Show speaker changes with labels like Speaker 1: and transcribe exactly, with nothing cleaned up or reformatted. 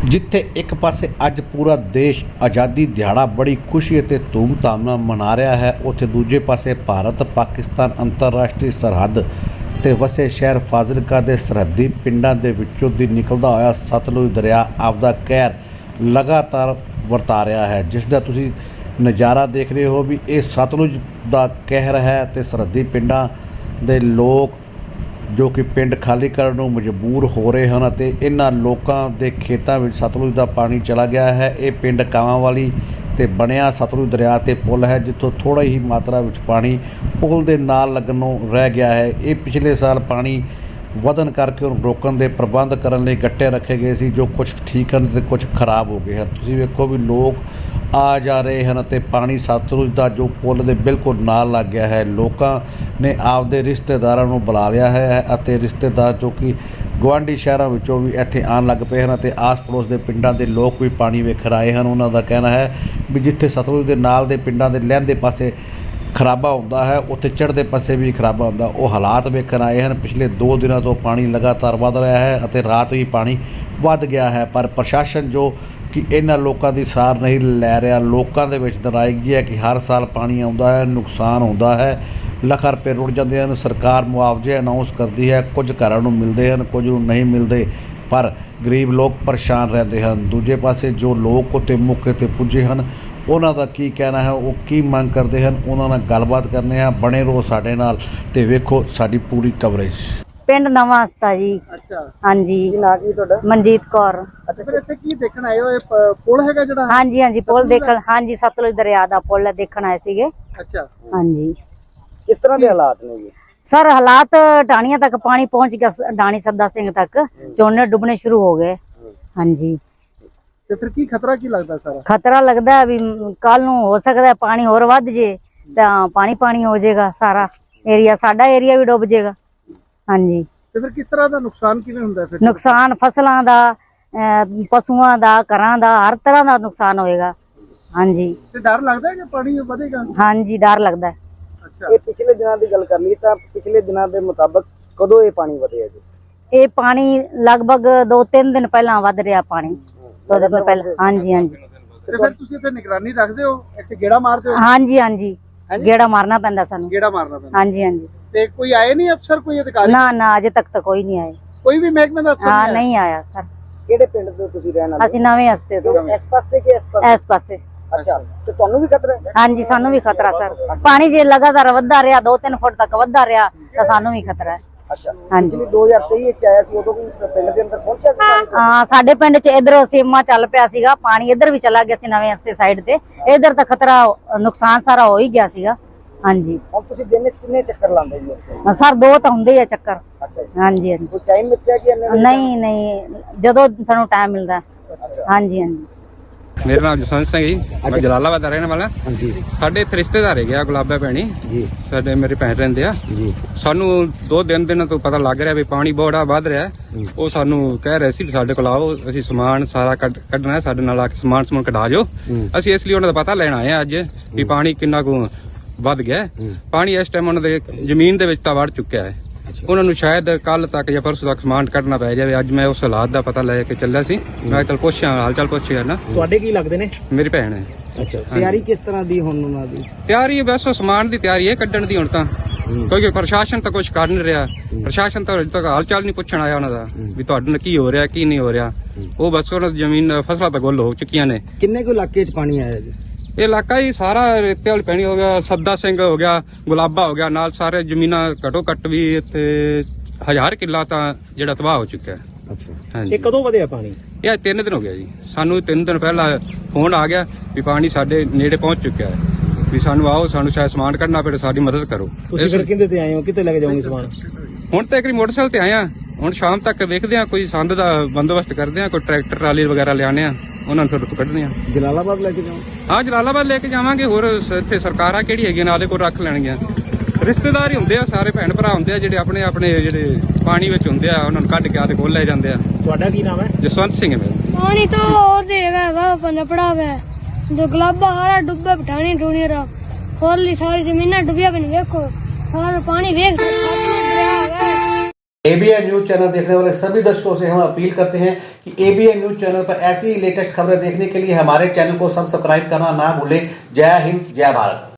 Speaker 1: ਜਿੱਥੇ ਇੱਕ ਪਾਸੇ ਅੱਜ ਪੂਰਾ ਦੇਸ਼ ਆਜ਼ਾਦੀ ਦਿਹਾੜਾ ਬੜੀ ਖੁਸ਼ੀ ਅਤੇ ਧੂਮ-ਧਾਮ ਨਾਲ ਮਨਾ ਰਿਹਾ ਹੈ, ਉੱਥੇ ਦੂਜੇ ਪਾਸੇ ਭਾਰਤ ਪਾਕਿਸਤਾਨ ਅੰਤਰਰਾਸ਼ਟਰੀ ਸਰਹੱਦ ਤੇ ਵਸੇ ਸ਼ਹਿਰ ਫਾਜ਼ਿਲਕਾ ਦੇ ਸਰਹੱਦੀ ਪਿੰਡਾਂ ਦੇ ਵਿੱਚੋਂ ਦੀ ਨਿਕਲਦਾ ਹੋਇਆ ਸਤਲੁਜ ਦਰਿਆ ਆਪਦਾ ਕਹਿਰ ਲਗਾਤਾਰ ਵਰਤਾ ਰਿਹਾ ਹੈ, ਜਿਸ ਦਾ ਤੁਸੀਂ ਨਜ਼ਾਰਾ ਦੇਖ ਰਹੇ ਹੋ ਵੀ ਇਹ ਸਤਲੁਜ ਦਾ ਕਹਿਰ ਹੈ। ਤੇ ਸਰਹੱਦੀ ਪਿੰਡਾਂ ਦੇ ਲੋਕ ਜੋ ਕਿ ਪਿੰਡ ਖਾਲੀ ਕਰਨ ਨੂੰ ਮਜਬੂਰ ਹੋ ਰਹੇ ਹਨ ਅਤੇ ਇਹਨਾਂ ਲੋਕਾਂ ਦੇ ਖੇਤਾਂ ਵਿੱਚ ਸਤਲੁਜ ਦਾ ਪਾਣੀ ਚਲਾ ਗਿਆ ਹੈ। ਇਹ ਪਿੰਡ ਕਾਵਾਂਵਾਲੀ ਤੇ ਬਣਿਆ ਸਤਲੁਜ ਦਰਿਆ ਤੇ ਪੁਲ ਹੈ, ਜਿੱਥੋਂ ਥੋੜਾ ਹੀ ਮਾਤਰਾ ਵਿੱਚ ਪਾਣੀ ਪੁਲ ਦੇ ਨਾਲ ਲੱਗਣੋਂ ਰਹਿ ਗਿਆ ਹੈ। ਇਹ ਪਿਛਲੇ ਸਾਲ ਪਾਣੀ ਵਧਣ ਕਰਕੇ ਉਹਨੂੰ ਰੋਕਣ ਦੇ ਪ੍ਰਬੰਧ ਕਰਨ ਲਈ ਗੱਟੇ ਰੱਖੇ ਗਏ ਸੀ, ਜੋ ਕੁਝ ਠੀਕ ਹਨ ਤੇ ਕੁਝ ਖਰਾਬ ਹੋ ਗਏ ਹਨ। ਤੁਸੀਂ ਵੇਖੋ ਵੀ ਲੋਕ ਆ ਜਾ ਰਹੇ ਹਨ ਅਤੇ ਪਾਣੀ ਸਤਲੁਜ ਦਾ ਜੋ ਪੁਲ ਦੇ ਬਿਲਕੁਲ ਨਾਲ ਲੱਗ ਗਿਆ ਹੈ। ਲੋਕਾਂ ਨੇ ਆਪਦੇ ਰਿਸ਼ਤੇਦਾਰਾਂ ਨੂੰ ਬੁਲਾ ਲਿਆ ਹੈ ਅਤੇ ਰਿਸ਼ਤੇਦਾਰ ਜੋ ਕਿ ਗੁਆਂਢੀ ਸ਼ਹਿਰਾਂ ਵਿੱਚੋਂ ਵੀ ਇੱਥੇ ਆਉਣ ਲੱਗ ਪਏ ਹਨ ਅਤੇ ਆਸ ਪੜੋਸ ਦੇ ਪਿੰਡਾਂ ਦੇ ਲੋਕ ਵੀ ਪਾਣੀ ਵੇਖਣ ਆਏ ਹਨ। ਉਹਨਾਂ ਦਾ ਕਹਿਣਾ ਹੈ ਵੀ ਜਿੱਥੇ ਸਤਲੁਜ ਦੇ ਨਾਲ ਦੇ ਪਿੰਡਾਂ ਦੇ ਲਹਿੰਦੇ ਪਾਸੇ ਖਰਾਬਾ ਹੁੰਦਾ ਹੈ, ਉੱਥੇ ਚੜ੍ਹਦੇ ਪਾਸੇ ਵੀ ਖਰਾਬਾ ਹੁੰਦਾ। ਉਹ ਹਾਲਾਤ ਵੇਖਣ ਆਏ ਹਨ। ਪਿਛਲੇ ਦੋ ਦਿਨਾਂ ਤੋਂ ਪਾਣੀ ਲਗਾਤਾਰ ਵੱਧ ਰਿਹਾ ਹੈ ਅਤੇ ਰਾਤ ਵੀ ਪਾਣੀ ਵੱਧ ਗਿਆ ਹੈ, ਪਰ ਪ੍ਰਸ਼ਾਸਨ ਜੋ ਕਿ ਇਹਨਾਂ ਲੋਕਾਂ ਦੀ ਸਾਰ ਨਹੀਂ ਲੈ ਰਿਹਾ। ਲੋਕਾਂ ਦੇ ਵਿੱਚ ਨਾਰਾਜ਼ਗੀ ਹੈ ਕਿ ਹਰ ਸਾਲ ਪਾਣੀ ਆਉਂਦਾ ਹੈ, ਨੁਕਸਾਨ ਹੁੰਦਾ ਹੈ, ਲੱਖਾਂ ਰੁਪਏ ਰੁੜ ਜਾਂਦੇ ਹਨ। ਸਰਕਾਰ ਮੁਆਵਜ਼ੇ ਅਨਾਉਂਸ ਕਰਦੀ ਹੈ, ਕੁਝ ਘਰਾਂ ਨੂੰ ਮਿਲਦੇ ਹਨ, ਕੁਝ ਨੂੰ ਨਹੀਂ ਮਿਲਦੇ, ਪਰ ਗਰੀਬ ਲੋਕ ਪਰੇਸ਼ਾਨ ਰਹਿੰਦੇ ਹਨ। ਦੂਜੇ ਪਾਸੇ ਜੋ ਲੋਕ ਉੱਤੇ ਮੌਕੇ 'ਤੇ ਪੁੱਜੇ ਹਨ, ਉਹਨਾਂ ਦਾ ਕੀ ਕਹਿਣਾ ਹੈ, ਉਹ ਕੀ ਮੰਗ ਕਰਦੇ ਹਨ, ਉਹਨਾਂ ਨਾਲ ਗੱਲਬਾਤ ਕਰਨੇ ਆ। ਬਣੇ ਰਹੋ ਸਾਡੇ ਨਾਲ ਤੇ ਵੇਖੋ ਸਾਡੀ ਪੂਰੀ ਕਵਰੇਜ।
Speaker 2: ਪਿੰਡ ਨਵਾਂ ਹਸਤਾ ਜੀ।
Speaker 3: ਅੱਛਾ,
Speaker 2: ਹਾਂਜੀ।
Speaker 3: ਕੀ ਨਾਂ ਕੀ ਤੁਹਾਡਾ?
Speaker 2: ਮਨਜੀਤ ਕੌਰ।
Speaker 3: ਅੱਛਾ, ਫਿਰ ਇੱਥੇ ਕੀ ਦੇਖਣ ਆਏ ਹੋ? ਇਹ ਪ- ਪੁਲ ਹੈਗਾ ਜਿਹੜਾ?
Speaker 2: ਹਾਂਜੀ ਹਾਂਜੀ, ਪੁਲ ਦੇਖਣ। ਹਾਂਜੀ, ਸਤਲੁਜ ਦਰਿਆ ਦਾ ਪੁਲ ਦੇਖਣ ਆਏ ਸੀਗੇ।
Speaker 3: ਅੱਛਾ,
Speaker 2: ਹਾਂਜੀ।
Speaker 3: ਕਿਸ ਤਰ੍ਹਾਂ ਦੇ ਹਾਲਾਤ ਨੇ ਜੀ?
Speaker 2: ਸਰ ਹਾਲਾਤ ਢਾਣੀਆਂ ਤੱਕ ਪਾਣੀ ਪਹੁੰਚ ਗਿਆ, ਢਾਣੀ ਸੱਦਾ ਸਿੰਘ ਤੱਕ ਝੋਨੇ ਡੁੱਬਣੇ ਸ਼ੁਰੂ ਹੋ ਗਏ। ਹਾਂਜੀ।
Speaker 3: ਤੇ ਫਿਰ ਕੀ ਖਤਰਾ ਕੀ ਲੱਗਦਾ ਸਾਰਾ?
Speaker 2: ਖਤਰਾ ਲੱਗਦਾ ਵੀ ਕੱਲ ਨੂੰ ਹੋ ਸਕਦਾ ਪਾਣੀ ਹੋਰ ਵੱਧ ਜੇ ਤਾਂ ਪਾਣੀ ਪਾਣੀ ਹੋ ਜਾਏਗਾ, ਸਾਰਾ ਏਰੀਆ ਸਾਡਾ ਏਰੀਆ ਵੀ ਡੁੱਬ ਜਾਏਗਾ। ਹਾਂਜੀ।
Speaker 3: ਤੇ ਫਿਰ ਕਿਸ ਤਰ੍ਹਾਂ ਦਾ ਨੁਕਸਾਨ ਕਿਵੇਂ ਹੁੰਦਾ ਫਿਰ?
Speaker 2: ਨੁਕਸਾਨ ਫਸਲਾਂ ਦਾ, ਅਹ ਪਸ਼ੂਆਂ ਦਾ, ਘਰਾਂ ਦਾ, ਹਰ ਤਰ੍ਹਾਂ ਦਾ ਨੁਕਸਾਨ ਹੋਏਗਾ। ਹਾਂਜੀ।
Speaker 3: ਤੇ ਡਰ ਲੱਗਦਾ ਹੈ ਕਿ ਪਾਣੀ ਵਧੇਗਾ?
Speaker 2: ਹਾਂਜੀ, ਡਰ ਲੱਗਦਾ ਹੈ।
Speaker 3: ਅੱਛਾ, ਇਹ ਪਿਛਲੇ ਦਿਨਾਂ ਦੀ ਗੱਲ ਕਰ ਲਈ ਤਾਂ ਪਿਛਲੇ ਦਿਨਾਂ ਦੇ ਮੁਤਾਬਕ ਕਦੋਂ ਇਹ ਪਾਣੀ ਵਧਿਆ ਜੀ?
Speaker 2: ਇਹ ਪਾਣੀ ਲਗਭਗ ਦੋ ਤਿੰਨ ਦਿਨ ਪਹਿਲਾਂ ਵੱਧ ਰਿਹਾ ਪਾਣੀ, ਦੋ ਦਿਨ ਪਹਿਲਾਂ। ਹਾਂਜੀ ਹਾਂਜੀ।
Speaker 3: ਤੇ ਫਿਰ ਤੁਸੀਂ ਇੱਥੇ ਨਿਗਰਾਨੀ ਰੱਖਦੇ ਹੋ, ਇੱਥੇ ਗੇੜਾ ਮਾਰਦੇ ਹੋ?
Speaker 2: ਹਾਂਜੀ ਹਾਂਜੀ, ਗੇੜਾ ਮਾਰਨਾ ਪੈਂਦਾ ਸਾਨੂੰ।
Speaker 3: ਗੇੜਾ ਮਾਰਨਾ ਪੈਂਦਾ?
Speaker 2: ਹਾਂਜੀ ਹਾਂਜੀ।
Speaker 3: ਤੇ ਕੋਈ ਆਏ ਨਹੀਂ ਅਫਸਰ, ਕੋਈ ਅਧਿਕਾਰੀ?
Speaker 2: ਨਾ ਨਾ, ਅਜੇ ਤੱਕ ਤਾਂ ਕੋਈ ਨਹੀਂ ਆਇਆ।
Speaker 3: ਕੋਈ ਵੀ ਮਹਿਕਮੇ ਦਾ ਅਫਸਰ
Speaker 2: ਹਾਂ, ਨਹੀਂ ਆਇਆ ਸਰ।
Speaker 3: ਕਿਹੜੇ ਪਿੰਡ ਤੋਂ ਤੁਸੀਂ ਰਹਿਣ ਵਾਲੇ?
Speaker 2: ਅਸੀਂ ਨਵੇਂ ਹਸਤੇ ਤੋਂ।
Speaker 3: ਇਸ ਪਾਸੇ ਕਿ ਇਸ ਪਾਸੇ?
Speaker 2: ਇਸ ਪਾਸੇ।
Speaker 3: ਅੱਛਾ, ਤੇ ਤੁਹਾਨੂੰ ਵੀ ਖਤਰਾ ਹੈ?
Speaker 2: ਹਾਂਜੀ, ਸਾਨੂੰ ਵੀ ਖਤਰਾ ਸਰ। ਪਾਣੀ ਜੇ ਲਗਾਤਾਰ ਵੱਧਦਾ ਰਿਹਾ, ਦੋ ਤਿੰਨ ਫੁੱਟ ਤੱਕ ਵੱਧਦਾ ਰਿਹਾ ਤਾਂ ਸਾਨੂੰ ਵੀ ਖਤਰਾ ਹੈ।
Speaker 3: ਅੱਛਾ,
Speaker 2: ਹਾਂਜੀ।
Speaker 3: ਪਿਛਲੇ ਦੋ ਹਜ਼ਾਰ ਤੇਈ ਵਿੱਚ ਆਇਆ ਸੀ, ਉਦੋਂ ਵੀ ਪਿੰਡ ਦੇ ਅੰਦਰ ਪਹੁੰਚਿਆ ਸੀ ਪਾਣੀ?
Speaker 2: ਹਾਂ, ਸਾਡੇ ਪਿੰਡ ਚ ਇਧਰ ਸੀਮਾ ਚੱਲ ਪਿਆ ਸੀਗਾ, ਪਾਣੀ ਇਧਰ ਵੀ ਚਲਾ ਗਿਆ ਸੀ ਨਵੇਂ ਹਸਤੇ ਸਾਈਡ ਤੇ। ਇਧਰ ਤਾਂ ਖਤਰਾ, ਨੁਕਸਾਨ ਸਾਰਾ ਹੋ ਹੀ ਗਿਆ ਸੀਗਾ। ਹਾਂਜੀ।
Speaker 3: ਹੁਣ ਤੁਸੀਂ ਦਿਨ ਵਿੱਚ ਕਿੰਨੇ ਚੱਕਰ ਲਾਉਂਦੇ ਜੀ ਉੱਥੇ?
Speaker 2: ਸਰ ਦੋ ਤਾਂ ਹੁੰਦੇ ਆ ਚੱਕਰ।
Speaker 3: ਅੱਛਾ ਜੀ।
Speaker 2: ਹਾਂਜੀ ਹਾਂਜੀ।
Speaker 3: ਕੋਈ ਟਾਈਮ ਮਿੱਥਿਆ ਕਿ ਇੰਨੇ?
Speaker 2: ਨਹੀਂ ਨਹੀਂ, ਜਦੋਂ ਸਾਨੂੰ ਟਾਈਮ ਮਿਲਦਾ।
Speaker 3: ਅੱਛਾ।
Speaker 2: ਹਾਂਜੀ ਹਾਂਜੀ।
Speaker 4: ਮੇਰਾ ਨਾਮ ਜਸਵੰਤ ਸਿੰਘ ਜੀ, ਮੈਂ ਜਲਾਲਾਬਾਦ ਦਾ ਰਹਿਣ ਵਾਲਾ।
Speaker 3: ਹਾਂਜੀ।
Speaker 4: ਸਾਡੇ ਇੱਥੇ ਰਿਸ਼ਤੇਦਾਰ ਹੈਗੇ ਆ ਗੁਲਾਬਾ ਭੈਣੀ
Speaker 3: ਜੀ।
Speaker 4: ਸਾਡੇ ਮੇਰੀ ਭੈਣ ਰਹਿੰਦੇ ਆ
Speaker 3: ਜੀ।
Speaker 4: ਸਾਨੂੰ ਦੋ ਦਿਨ ਦਿਨਾਂ ਤੋਂ ਪਤਾ ਲੱਗ ਰਿਹਾ ਵੀ ਪਾਣੀ ਬੜਾ ਵੱਧ ਰਿਹਾ। ਉਹ ਸਾਨੂੰ ਕਹਿ ਰਹੇ ਸੀ ਵੀ ਸਾਡੇ ਕੋਲ ਆਓ, ਅਸੀਂ ਸਮਾਨ ਸਾਰਾ ਕੱਢ ਕੱਢਣਾ, ਸਾਡੇ ਨਾਲ ਆ ਕੇ ਸਮਾਨ ਸਮੂਨ ਕਢਾ ਜਾਓ। ਅਸੀਂ ਇਸ ਲਈ ਉਹਨਾਂ ਦਾ ਪਤਾ ਲੈਣ ਆਏ ਆ ਅੱਜ ਵੀ ਪਾਣੀ ਕਿੰਨਾ ਕੁ ਵੱਧ ਗਿਆ। ਪਾਣੀ ਇਸ ਟਾਈਮ ਉਹਨਾਂ ਦੇ ਜ਼ਮੀਨ ਦੇ ਵਿੱਚ ਤਾਂ ਵੜ ਚੁੱਕਿਆ ਹੈ। ਉਹਨਾਂ ਨੂੰ ਸ਼ਾਇਦ ਕੱਲ ਤੱਕ ਜਾਂ ਪਰਸੋਂ ਤੱਕ ਸਮਾਨ ਕੱਢਣਾ ਪੈ ਜਾਵੇ। ਅੱਜ ਮੈਂ ਉਸ ਹਾਲਾਤ ਦਾ ਪਤਾ ਲੈ ਕੇ ਚੱਲਿਆ ਸੀ। ਮੈਂ ਚੱਲ ਪੁੱਛਿਆ, ਹਾਲ ਚਾਲ ਪੁੱਛਿਆ ਨਾ।
Speaker 3: ਤੁਹਾਡੇ ਕੀ ਲੱਗਦੇ ਨੇ?
Speaker 4: ਮੇਰੀ ਭੈਣ ਹੈ।
Speaker 3: ਅੱਛਾ, ਤਿਆਰੀ ਕਿਸ ਤਰ੍ਹਾਂ ਦੀ ਹੁਣ ਉਹਨਾਂ ਦੀ?
Speaker 4: ਤਿਆਰੀ ਬਸ ਸਮਾਨ ਦੀ ਤਿਆਰੀ ਹੈ ਕੱਢਣ ਦੀ ਹੁਣ ਤਾਂ, ਕਿਉਂਕਿ ਪ੍ਰਸ਼ਾਸਨ ਤਾਂ ਕੁਝ ਕਰ ਨਹੀਂ ਰਿਹਾ। ਪ੍ਰਸ਼ਾਸਨ ਤਾਂ ਅਜੇ ਤੱਕ ਹਾਲ ਚਾਲ ਨਹੀਂ ਪੁੱਛਣ ਆਇਆ ਉਹਨਾਂ ਦਾ ਵੀ ਤੁਹਾਡੇ ਨਾਲ ਕੀ ਹੋ ਰਿਹਾ ਕੀ ਨਹੀਂ ਹੋ ਰਿਹਾ। ਉਹ ਬਸ ਉਹਨਾਂ ਦੀ ਜ਼ਮੀਨ ਫਸਲਾਂ ਤਾਂ ਗੁੱਲ ਹੋ ਚੁੱਕੀਆਂ ਨੇ।
Speaker 3: ਕਿੰਨੇ ਕੁ ਇਲਾਕੇ 'ਚ ਪਾਣੀ ਆਇਆ ਜੀ?
Speaker 4: ਇਹ ਇਲਾਕਾ ਹੀ ਸਾਰਾ ਰੇਤੇ ਵਾਲੀ ਪੈਣੀ ਹੋ ਗਿਆ, ਸੱਦਾ ਸਿੰਘ ਹੋ ਗਿਆ, ਗੁਲਾਬਾ ਹੋ ਗਿਆ, ਨਾਲ ਸਾਰੇ ਜ਼ਮੀਨਾਂ ਘਟੋ ਘੱਟ ਵੀ ਇੱਥੇ ਹਜ਼ਾਰ ਕਿੱਲਾ ਤਾਂ ਜਿਹੜਾ ਤਬਾਹ ਹੋ ਚੁੱਕਿਆ ਹੈ।
Speaker 3: ਅੱਛਾ।
Speaker 4: ਹਾਂਜੀ।
Speaker 3: ਇਹ ਕਦੋਂ ਵਧਿਆ ਪਾਣੀ?
Speaker 4: ਇਹ ਅੱਜ ਤਿੰਨ ਦਿਨ ਹੋ ਗਿਆ ਜੀ। ਸਾਨੂੰ ਤਿੰਨ ਦਿਨ ਪਹਿਲਾਂ ਫੋਨ ਆ ਗਿਆ ਵੀ ਪਾਣੀ ਸਾਡੇ ਨੇੜੇ ਪਹੁੰਚ ਚੁੱਕਿਆ ਹੈ, ਵੀ ਸਾਨੂੰ ਆਓ, ਸਾਨੂੰ ਸ਼ਾਇਦ ਸਮਾਨ ਕੱਢਣਾ ਪਵੇ, ਸਾਡੀ ਮਦਦ ਕਰੋ।
Speaker 3: ਤੁਸੀਂ ਫਿਰ ਕਿੰਦੇ ਤੇ ਆਏ ਹੋ? ਕਿੱਥੇ ਲੈ ਕੇ ਜਾਓਗੇ ਸਮਾਨ?
Speaker 4: ਹੁਣ ਤਾਂ ਇੱਕ ਮੋਟਰਸਾਈਕਲ ਤੇ ਆਏ ਆ, ਹੁਣ ਸ਼ਾਮ ਤੱਕ ਵੇਖਦੇ ਆ, ਕੋਈ ਸੰਦ ਦਾ ਬੰਦੋਬਸਤ ਕਰਦੇ ਆ, ਕੋਈ ਟਰੈਕਟਰ ਟਰਾਲੀ ਵਗੈਰਾ ਲਿਆਣੇ ਆ, ਉਹਨਾਂ ਨੂੰ ਫਿਰ ਕੱਢਦੇ ਆ।
Speaker 3: ਜਲਾਲਾਬਾਦ ਲੈ ਕੇ ਜਾਓ?
Speaker 4: ਹਾਂ, ਜਲਾਲਾਬਾਦ ਲੈ ਕੇ ਜਾਵਾਂਗੇ। ਹੋਰ ਸ- ਇੱਥੇ ਸਰਕਾਰਾਂ ਕਿਹੜੀ ਹੈਗੀਆਂ ਨਾਲੇ ਕੋਲ ਰੱਖ ਲੈਣਗੀਆਂ। ਰਿਸ਼ਤੇਦਾਰ ਹੀ ਹੁੰਦੇ ਆ, ਸਾਰੇ ਭੈਣ ਭਰਾ ਹੁੰਦੇ ਆ ਜਿਹੜੇ ਆਪਣੇ ਆਪਣੇ ਜਿਹੜੇ ਪਾਣੀ ਵਿੱਚ ਹੁੰਦੇ ਆ, ਉਹਨਾਂ ਨੂੰ ਕੱਢ ਕੇ ਆਦੇ ਕੋਲ ਲੈ ਜਾਂਦੇ ਆ।
Speaker 3: ਤੁਹਾਡਾ ਕੀ ਨਾਮ ਹੈ?
Speaker 4: ਜਸਵੰਤ ਸਿੰਘ ਹੈ ਮੇਰਾ।
Speaker 5: पानी तो और देगा वा बंदा पड़ा हुआ है जो गुलाबा हारा डुब्बा बिठानी ढूंढी रहा खोल ली सारी जमीन डुबिया बन देखो सारा पानी वेग
Speaker 1: एबीएन न्यूज चैनल देखने वाले सभी दर्शकों से हम अपील करते हैं कि एबीएन न्यूज चैनल पर ऐसी ही लेटेस्ट खबरें देखने के लिए हमारे चैनल को सब्सक्राइब करना ना भूलें। जय हिंद, जय भारत।